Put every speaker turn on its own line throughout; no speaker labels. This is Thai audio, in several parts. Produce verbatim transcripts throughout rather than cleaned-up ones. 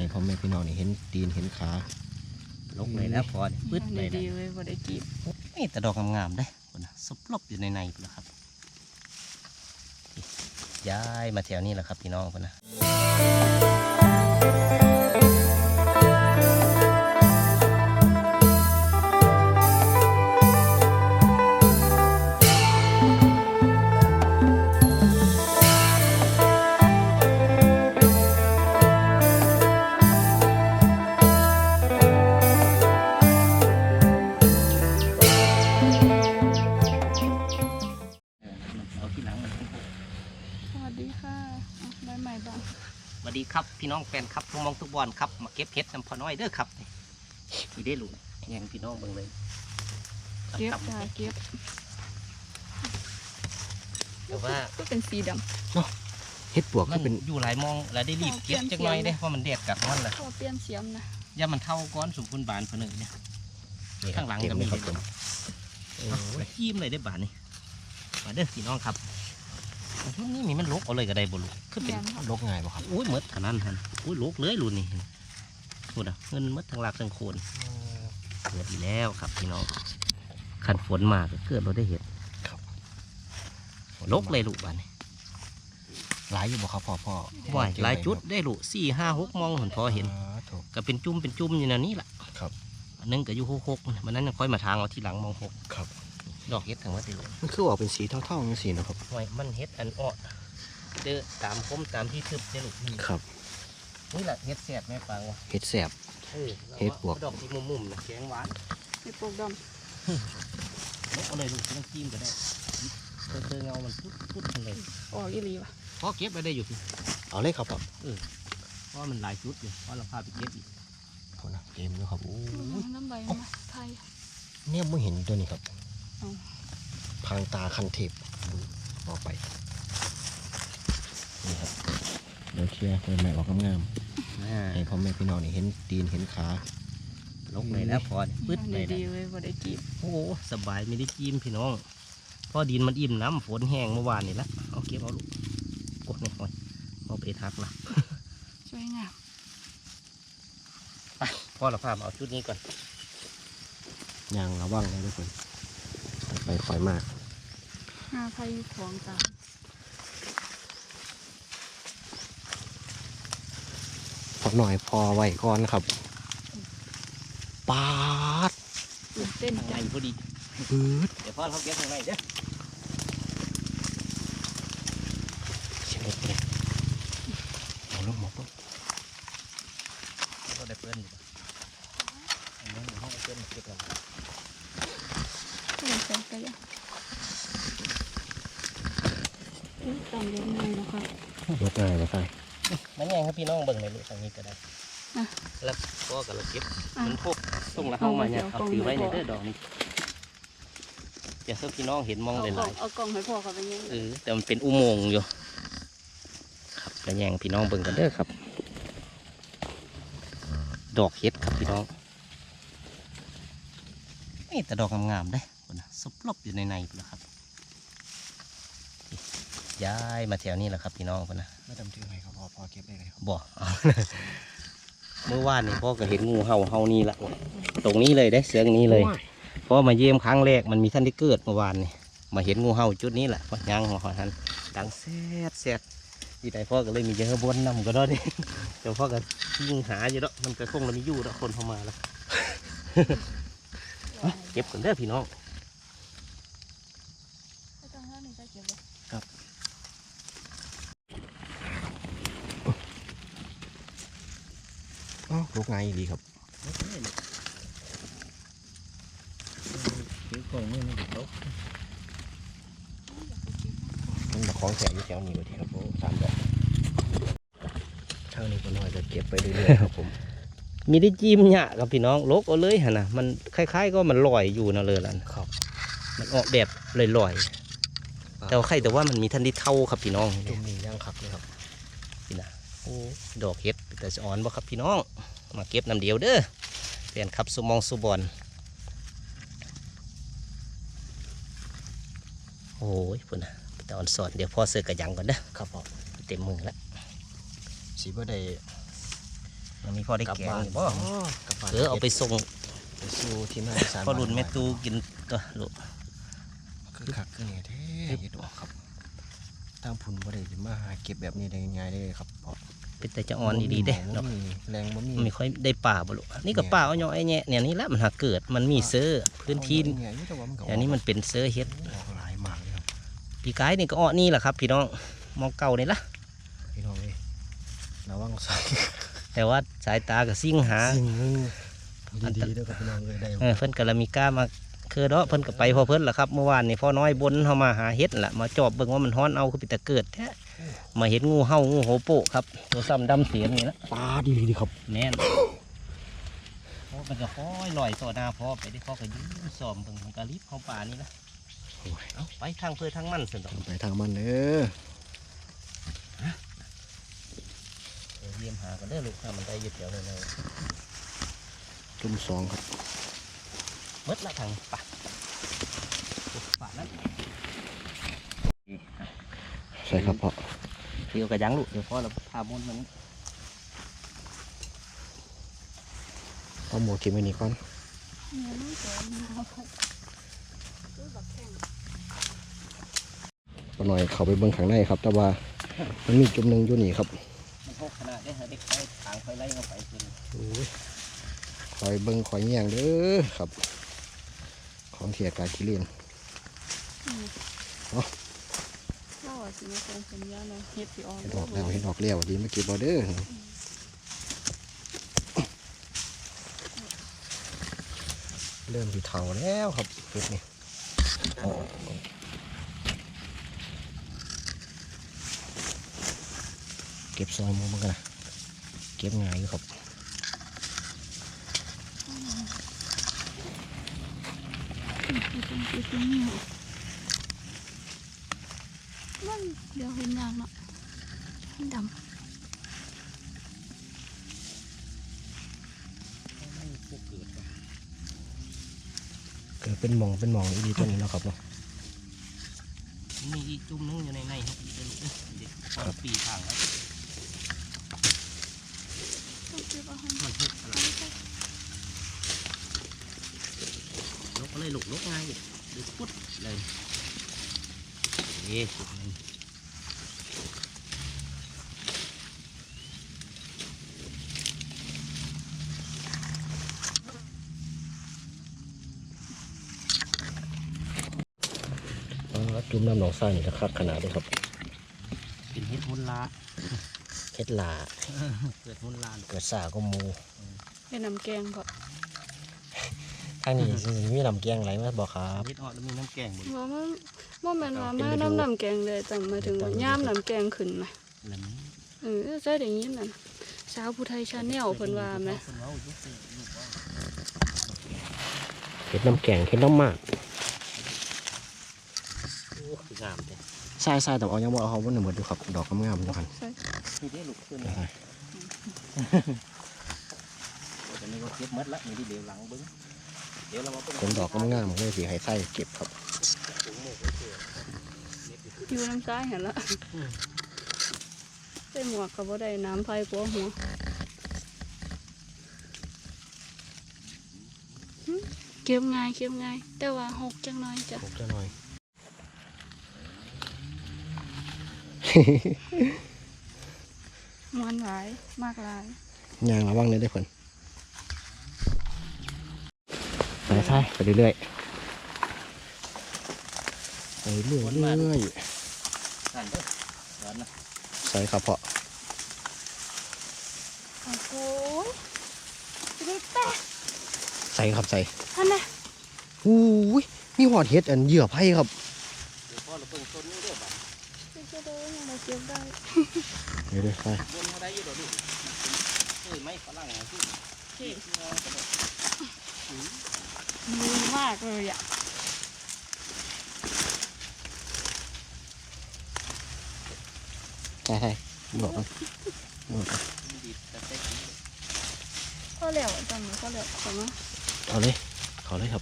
ให้พ่อแม่พี่น้องนี่เห็นตีนเห็นขาลกเลยแล้วพอปึ๊ดเลยนะ
ดีเลยบ่ได้กีบ
นี่แต่ดอกงามๆได้คนนะซุบลบอยู่ในในแล้วครับย้ายมาแถวนี้แหละครับพี่น้องคนนะสวัสดีครับพี่น้องแฟนครับทุกมองทุกบอลครับมาเก็บเห็ดน้ำพอน้อยเด้อครับนี่ได้หลุดแยงพี่น้องเบิ่งเลย
เก็บจ้าเก็บ
แต่ว่า
ก็เป็นสีด
ำเนาะเห็ดปวกก็เป็นอยู่หลายมองแล้วได้รีบเก็บจักหน่อยเด้เพราะมันแดดกัดมันแหละ
เขาเปลี่ยนเสียมนะ
ย่ามันเท่าก้อนสมบูรณ์บานเพื่อนเนี่ยข้างหลังก็มีเลยยิ้มเลยได้บานนี่มาเด้อพี่น้องครับช่วงนี้มีมันลกเอาเลยก็ได้บ่ลูกคือเป็นลกง่ายบ่ครับอุ้ยมดขนาดนั้นอุ้ยลกเลยรุ่นนี้พูดอ่ะเงินมดทั้งหลักทั้งโคนเกิดอีแล้วครับพี่น้องขันฝนมาก็เกิดเราได้เห็นลกเลยลูกบ้านนี้หลายอยู่บ่ครับพ่อพ่อว่ายหลายจุดได้ลูกสี่ห้าหกมองเห็นพอเห็นก็เป็นจุ่มเป็นจุ่มอยู่ในนี้แหละครับอันนึงก็อยู่หกหกมันนั้นค่อยมาทางเอาที่หลังมองหกครับดอกเห็ดทั้งหมดเลยมันคือออกเป็นสีเท่าๆอย่างสีนะครับไว้มันเห็ดอันอ้อเด้อตามคมตามที่ทึบได้ลูกครับนี่แหละเห็ดแสบแม่ฟังวะเห็ดแสบเห็ดปวกดอกที่มุมๆนะแกงหวาน
เห็ดปวกด
ำเอาเลยลูกต้องจิ้มก็ได้เจอเงามันพุดพุดเลย
ออกอีหลีวะ
พอเก็บไปได้อยู่เอาเลยครับเออเพราะมันหลายชุดอยู่เพราะเราพาไปเก็บอีกคนนะเต็มแล้วครับโอ้
ยน้ำใบมาไทย
เนี่ยไม่เห็นตัวนี้ครับพังตาคันเทปออกไปนี่ครับเดี๋ยวเชียร์คนใหม่ออกงามๆให้พ่อแม่พี่น้องนี่เห็นตีนเห็นขาลกเลยแล้วพอปึ๊ดเลย
ดีเลยบ่ได้กีบ
โอ้สบายไม่ได้จิ้มพี่น้องพอดินมันอิ่มน้ำฝนแห้งเมื่อวานนี่ละเอาเก็บเอาลูกกดนี่หน่อยเอาไปทักละ
ช่วยงาม
ไปพ่อเราพาเอาชุดนี้ก่อนยางระวังเลยทุกคนไปคอยมาก
หาไผ่ของตาม
พอหน่อยพอไว้ก่อนครับปาด
ตื่นเต้น
ใจพอดีปืดเดี๋ยวพ่อเขาเก็บทางไหนเด้อเฉียบเลยเอาลูกหมดปุ๊บก็ได้เพื่อนอยู่อันนี้ห้องเพื่อนเก็บแล้ว
เล่นเซ็นกันยังต้องเลี้ยงไงนะครับ
ยกง่ายมาใส่นั่นไงครับพี่น้องเบิ่งในลูกทางนี้ก็ได้แล้วก็กับเราเก็บมันพกส่งละเข้ามาเนี่ยเอาถือไว้ในเด้อดอกนี้อย่าเพื่อพี่น้องเห็นมองหลาย
ๆเอากล่องให้พ่อเขาไปยัง
เออแต่มันเป็นอุโมงค์อยู่ครับกระแยงพี่น้องเบิ่งกันเด้อครับดอกเห็ดครับพี่น้องนี่แต่ดอกงามๆได้คนนะซุบลบอยู่ในในแล้วครับย้ายมาแถวนี้แหละครับพี่น้องคนนะ
ไม่จำชื่อใครครับพ่อพ่อเก็บได้เลยครับ
บ่เมื่อวานนี่พ่อก็เห็นงูเห่าเห่านี่ละตรงนี้เลยได้เสียงนี้เลยเพราะมาเยี่ยมครั้งแรกมันมีท่านที่เกิดเมื่อวานนี่มาเห็นงูเห่าจุดนี้แหละพอย่างหัวหันดังแซ่ดแซ่ดที่ไหนพ่อก็เลยมีเยอะบนนำก็ได้ดิเดี๋ยวพ่อก็ยิงหาอยู่แล้วมันก็คงเรามีอยู่แล้วคนเข้ามาแล้วเก็บกันเด้อพี่น้องครับอ๋อลูกไงดีครับถือกล่องมือนี่ครับมันมาคล้องแขนอยู่แถวนี้เลยทีครับผมสามดอกเท่านี้ก็น้อยจะเก็บไปเรื่อยๆครับผมมีได้จิ้มเนี่ยกับพี่น้องลกเอาเลยฮะนะมันคล้ายๆก็มันลอยอยู่นะเลยล่ะครับมันออกแบบลอยๆแต่ว่าใครแต่ว่ามันมีทันที่เท่าครับพี่น้อง
จุ่มนี่ย่างขับเลยครับ
พี่นะโอ้ดอกเห็ดแต่จะอ่อนบ่ครับพี่น้องมาเก็บน้ำเดียวเด้อเปลี่ยนขับสุมองสุบอลโอ้ยพุ่นนะตอนสอนเดี๋ยวพ่อเสือกระยังก่อนเด้อ
ครับพ่อ
เต็มมือแล้ว
สีบ่ได้น้
นี้พอได้แกงอยู่บ่
กลับบ้าน
เออเอาไปส่ง
ไปสู้ที่หน้าสาร
พอรุ่นแม่ตูกินตัวลูก
คือคักคือเนี่ยแท้เฮ็ดออกครับทางพุ่นบ่ได้มาหาเก็บแบบนี้ได้ง่ายๆเลยครับเพราะ
เป็นแต่จะอ่อนดีๆเด้
บ่
เนาะ
มีแรงบ่มี
ไม่ค่อยได้ป่าบ่ลูกนี่ก็ป่าเอาย่อไอ้แง่เนี่ยนี่แหละมันหาเกิดมันมีเซอร์พื้นที่
เนี่ยอยู่แต่ว่ามันก็
อันนี้มันเป็นเซอร์เฮ็ด
ออกหลายมากเลยครับ
ปีกายนี่ก็อ้อนี่แหละครับพี่น้องมองเก่านี่ละ
พี่น้องเอ้ยระวังใส่
แต่ว่าสายตากับซิ่งหา
สิ่งหนึงดีๆเด้อครับพี่น้องเอ้ยได้
เออเพิ่นก็ละมีกล้ามาคือเนาะเพิ่นก็ไปพอเพิ่นล่ะครับเมื่อวานนี่พ่อน้อยบนเฮามาหาเฮ็ดล่ะมาจอบเบิ่งว่ามันฮ้อนเอาคือปิตะเกิดแท้มาเห็นงูเห่างูโหโปะครับตัวซ้ำดำเสียนนี่ละ
ปลาดีดีครับ
แน่นเพราะมันก็ค่อยลอยต่อหน้าพ่อไปได้พ่อก็ยืนซ้อมเบิ่งมันก็รีบเข้าป่านี่ละ
โอ้ย
เอาไปทางเพื่อทางมันสิดอก
ไปทางมันเด้อ
เดี๋ยวเยี่ยมหากันเด้อลูกถ้ามันได้ยึดเดี๋ยวเลย
จุ่มสองครับ
มดละทางป่าป่านั้น
ใช่ครับพ่อ
เดี๋ยวกระยังลูกเดี๋ยวพ่อเราพามุนมัน
เอาหมูทิมไว้นี่ก่อน
เนี่ยน้องสวยนะครับซื้อบักแข้ง
ปหน่อยเข้าไปเบิ่งข้างในครับ แต่ว่ามันมีจุ่มหนึงอยู่นี่ครับ
มันหกขนาดได้เด็กไปทางไปไล่เข้าไปกิน
โอ้ยคอยเบิ่งคอยแย่งเด้อครับ ของเทียกาคิเลียน
เล่าว่าสิมาเป็นสัญญาณเลยเฮ็ดสิออก
เห็ดออกแล้วเห็ดออกแล้วดีเมื่อกี้บอเดอร์เริ่มที่เถาแล้วครับเห็ดนี่เอาออกก่อนเก็บซอยมือมันกันนะเก็บง่ายอยู่ครับ
มันเดี๋ยวเห็นยากเนาะมันดำ
เกิดเป็นหมองเป็นหมองดีตัวนี้เนาะครับเนาะ
มีอีกจุ่มนึงอยู่ในในครับเดี๋ยวลูกเด็กพอปีทางแล้ว
ต้องเก็บเอาให้
มันหกขนาดลกเลยลูกลกง่ายอยู่ดึกปุ๊ดเลยเอ๊ะจุดนึง
อ๋อจุ่มน้ำหนองทรายนี่นะครับขนาดเลยครับ
เป็นเฮ็ดมุนลา
เฮ็ดลา
เกิดมุนลา
เกิดสาก็หมู
เป็นน้ำแกงก็
ทางนี้สิมีลำเกียงไหลมาบอกครับ
เฮ็ดออกแล้วมีน้ำแกงบน
ว่ามันว่ามันว่ามาน้ำน้ำแกงเลยแต่หมายถึงว่าย่ามน้ำแกงขึ้นไหม
แล้วมี
เออใช่อย่างนี้น่ะสาวผู้ไทยชาแนลเพิ่นว่าไหม
เพิ่นว่าอยู่สิลูกว่า
เฮ็ดน้ำแกงเฮ็ดน้ำหมาก
โอ้คืองามเด้
ทรายทรายแต่เอายังบ่เอาเขาบนหนึ่งหมดดูครับดอกงามๆอยู่คัน
ใช่
นี่ได้ลูกขึ้นแต่นี่ก็เก็บหมดละนี่ที่เดี๋ยวหลังเบิ้งเดี๋ยวเรามา
เป็นดอกงามๆเลยสิให้ไส้เก็บครับ
อยู่น้ำซ้ายเห็นละใส่หมวกก็บ่ได้น้ำไผ่กลัวหัวหึเก็บง่ายเก็บง่ายแต่ว่าหกจังน้อยจ้ะ
ผมจะหน่อย
มวนหลายมากหลาย
ยางระวังเลยได้อเพิ่นไปใช่ไปเรื่อยๆไปเรื่อยๆ
นั่นเด้อร้อนนะ
ใส่ครับเพาะ
โอ้โหจะได้แปะ
ใส่ครับใส่
ท่านน่ะ
อู้ยมีหอดเห็ดอันเหยื่อไผ่ครับ
เดี๋ยวพ่อเราเพิ่งต้นนี้เด้อบ่
จะได้ยังมาเก็บได้
เดี๋ยวเดี๋ยวใส่
บนเขาได้อยู่ดอกลูกเอ้ยไม่ฝรั่งอ่ะที่ที่งอกระโดด
มือมากเลยอ่ะ
ใส่ใส่บอกกันบอกกัน
ดีแต่เต็ก
พ่อเหลวจำเลยพ่อเหลวขอมา
เอาเลยเขาเลยครับ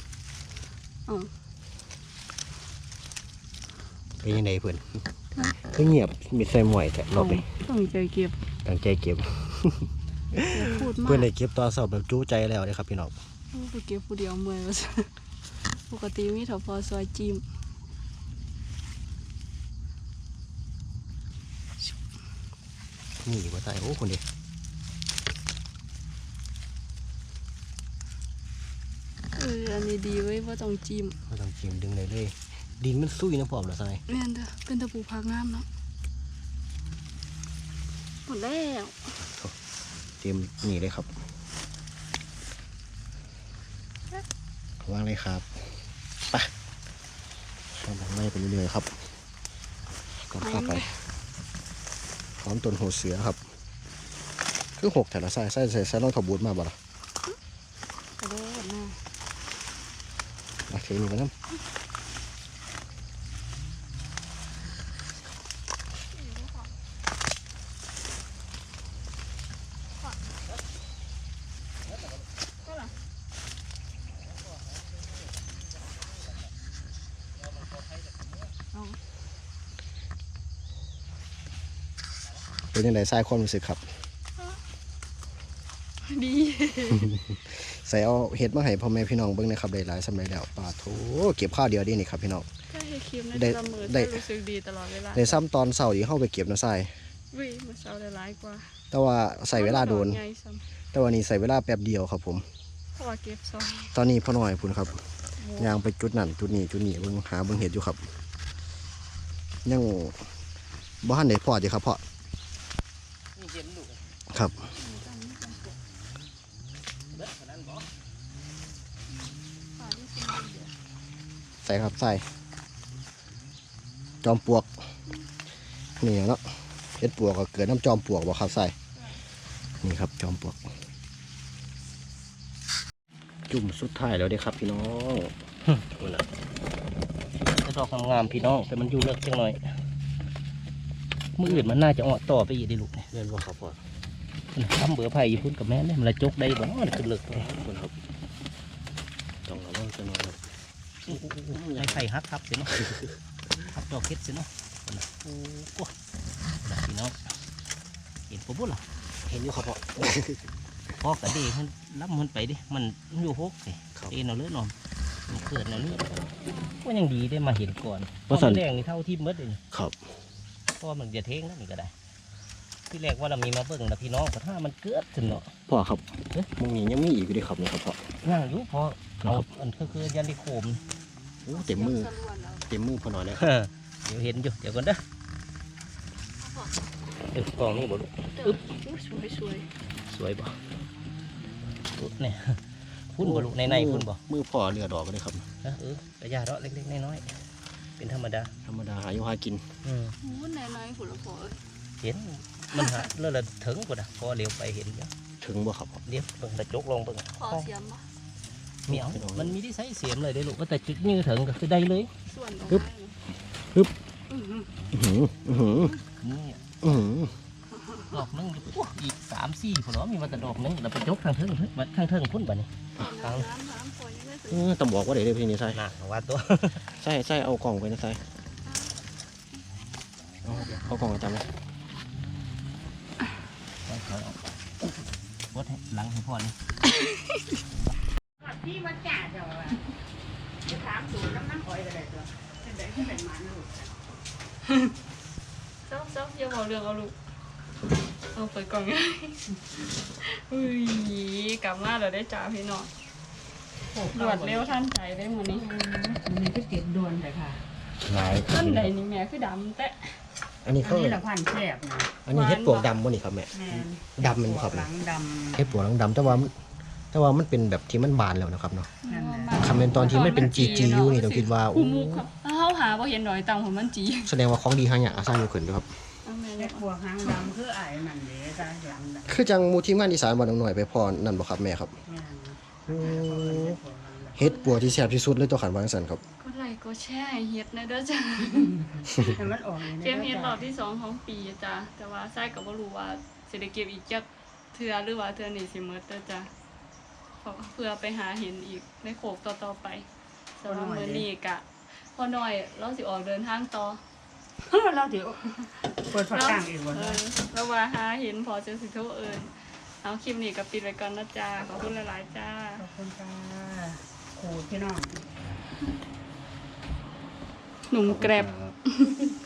อ๋อ
เป็นยังไงเพื่อนคือเงียบมีใส่หมวยแต่รอบนี้
ต้องใจเก็บ
ตั้งใจเก็บ
อย่าพูดมาก
เพื่อนได้เก็บตอนสอบแบบจู้ใจแล้วเลยครับพี่น้อง
ไปเก็บผู้เดียวเมื่อยว่าซั่นปกติมีเถาพอซอยจิ้ม
นี่ว่าตายโอ้คนเดียว
เอออันนี้ดีเว้ยว่าต้องจิ้ม
ไม่ต้องจิ้มดึงเลยเลยดินมันซุยนะพร้อมแล้วใช่
แม่นเด้อเป็นตะปูพักงามเนาะหมดแล้ว
เตรียมนี่เลยครับวางเลยครับไปทำแบบไล่ไปเรื่อยๆครับก่อนเข้าไปพร้อมต้นหัวเสือครับคือหกแต่ละไส้ไส้ใส่ไส้รองถบูดมาบ่ล่ะ
กระโดดหน้า
มาเทนี่กันน้ำเป็นยังไงไส้ความรู้สึกครับ
ดี
ใส่เอาเห็ดมาให้พ่อแม่พี่น้องเบิ่งนะครับได้หลายสมัยแล้วปลาโถเก็บข้าวเดียวดีนี่ครับพี่น้อง
ถ้าให้คลิปใน
ได้
เสมอ
ได้
จะรู้สึกดีตลอดเวลา
ในซ้ำตอนเสาร์ที่เข้าไปเก็บนะไส้
วิมาเช้าได้หลายกว่า
แต่ว่าใส่เวลาโดน
ไงซ้
แต่วันนี้ใส่เวลาแป๊บเดียวครับผม
ำเพราะว่าเก็บซอย
ตอนนี้พ่อหน่อยพุ่นครับ
หมู
ย่างไปจุดนั่นจุดนี้จุดนี้เบิ่งหาเบิ่งเห็ดอยู่ครับ ยังบ้านไหนพอดีครับพ่อครับใส่ครับใส่จอมปลวกนี่เนาะเห็ดปลวกก็เกิดน้ำจอมปลวกบ่ครับใส่นี่ครับจอมปลวกจุ่มสุดท้ายแล้วเด้ครับพี่น้องนี่นะ
จะดอกงามๆพี่น้องแต่มันอยู่เลิกจังหน่อยมืออื่นมันน่าจะออกต่อไปอีกได้ลูกเนี่ย
เรียนว่าครับพ่อ
ทำเบื่อไผ่อยู่พุ่นกับแม่เนี่ยมันละจกได้บ่เนาะขึ้นเลิกเลย
คุณครับต้องระวังจะนอนครับ
ไม้ไผ่ฮักครับเสียเนาะฮักดอกเฮ็ดเสียเนาะโอ้โหพี่น้องเห็นปุ๊บล่ะ
เห็นอยู่ครับพ่อ
พอกระเดงมันรับมันไปดิมันอยู่หกเลย
ครับ
เอ็นเอาเลือดนอนมันเกิดเอาเลือดก็ยังดีได้มาเห็นก่อน
เพราะสัน
แรงนี่เท่าที่มดเลยนี่
ครับ
เพราะว่ามันจะเท่งนั่นนี่ก็ได้ ที่แรกว่าเรามีมาเบิ่งแต่พี่น้องก็ถ้ามันเกิดถึงเนาะ
พ่อครับมึงนี่ยังมีอีกอยู่ด้วยครับนี่ครับพ่อ
ย่างอยู่พอเอาอันคือคือยันดิโคม
โอ้เต็มมือเต็มมือพอหน่อยแล้ว
เดี๋ยวเห็นอยู่เดี๋ยวก่อนเด้อเออกล่องนี่บ่ลูก
อึ๊บสวยสวย
สวยบ่อุ๊ยเนี่ยพุ่นบ่ลูกในในพุ่นบ่
มือพ่อเรือดอกก็ได้ครับ
เออเออกระยาเนาะเล็กๆน้อยๆเป็นธรรมดา
ธรรมดาหาอยู่หากิน
อืม
หมูไหนไหนผุละพอเอ้ย
เห็นมันหาเลื่อนละถึงกว่านะพอเลี้ยวไปเห็นเยอะ
ถึงบ่ครับพ่อ
เลี้ยวเบิ่งกระจกลงเบิ่ง
ขอเสียมปะ
เหมียวมันมีที่ใช้เสียมเลยได้ลูกว่าแต่จุดยื้อถึงก็คือได้เลย
ส่วน
ฮึบฮึบ
อื้อหือ
อื้อหืออื้อหือ
นี่
อื้อหือ
ดอกหนึงโอ้อีกสามสี่ผลล้อมีมาแต่ดอกหนึงแล้วไปจกทางเทิงเพิ่นมาทางเทิงพุ่นบ่นี่
น้ำน้ำน้ำพอยังไม่ถึง
เออต้องบอกว่าเดี๋ยวได้พี่นี่ใส่
น่ะว่าตัว
ใส่ใส่เอากล่องไปนะใส่เอาเอากล่องไปจำเลย
วดให้หลังให้พ่อนี่
ที่มาจ่าเจ้าอะจะถามสูตรน้ำน้ำอ้อยก็ได้ตัวเป็นไดที่เป็นมันลูก
เจ้าเจ้าอย่าบอกเรื่องเอาลูกเอาเปิดกล่องไงอุ้ยกลับมาเราได้จ่าพี่น้องรวดเร็วทันใจได้หมดนี้
มันนี่ก็เก็บดวนเลยค่ะ
หลาย
ต้นใดนี่แม่คือดำแต่
อันนี้
อัน
เขา
นี้ละพันแซ่บนะ
อันนี้เฮ็ดปลวกดำบ่นี่ครับแม่
แม่น
ดำมันบ่ครับ
หลังด
เฮ็ดปลวกหลังดำแต่ว่ามันแต่ว่ามันเป็นแบบที่มันบานแล้วนะครับเนาะ
ำนั่นแหละ
คำเป็นตอนที่มันเป็นจีจีอยู่นี่ต้องคิดว่า
คู่
โอ้
มุกครับเขาหาว่าเห็นดอยตังผมมันจี
แสดงว่าของดีหางอย่างอาสร้างอยู่ขึ้นอยู่ครับ
เอาแม่
เล็
เนี่ย
กบัวหางดำคือไอ้มันเด้จ้าหลังดำ
คือจังหมูทีมงานอีสานบ้านหน่อยไปพอนั่นบ่ครับแม่ครับ
แม่น
อืม
เฮ็ด
เฮ็ดปัวที่แซ่บที่สุดเลยตัวขันวางสันครับ
ก็ไลค์ก็แช่ให้เฮ็ดนะเด้อจ้า
ให้มันออกนี่
เกมเฮ็ดรอบที่สองของปีจ้าแต่ว่าไส้ก็บ่รู้ว่าสิได้เก็บอีกจักเทื่อหรือว่าเทื่อนี้สิหมดเด้อจ้าเพื่อไปหาเห็นอีกในโขกต่อๆไปสำหรับมื้อนี้กะพอน้อยเราสิออกเดินทางต่อ
เราถือเปิดฝากางอีกวัน
เออแล้วว่าหาเห็นพอจะสิโทรเอิญเอาคลิปนี้กับปิดไว้ก่อนนะจ้าขอบคุณหลายๆจ้า
ขอบคุณค่ะครูพี่น้อง
หนุ่มแกร็บ
ครับ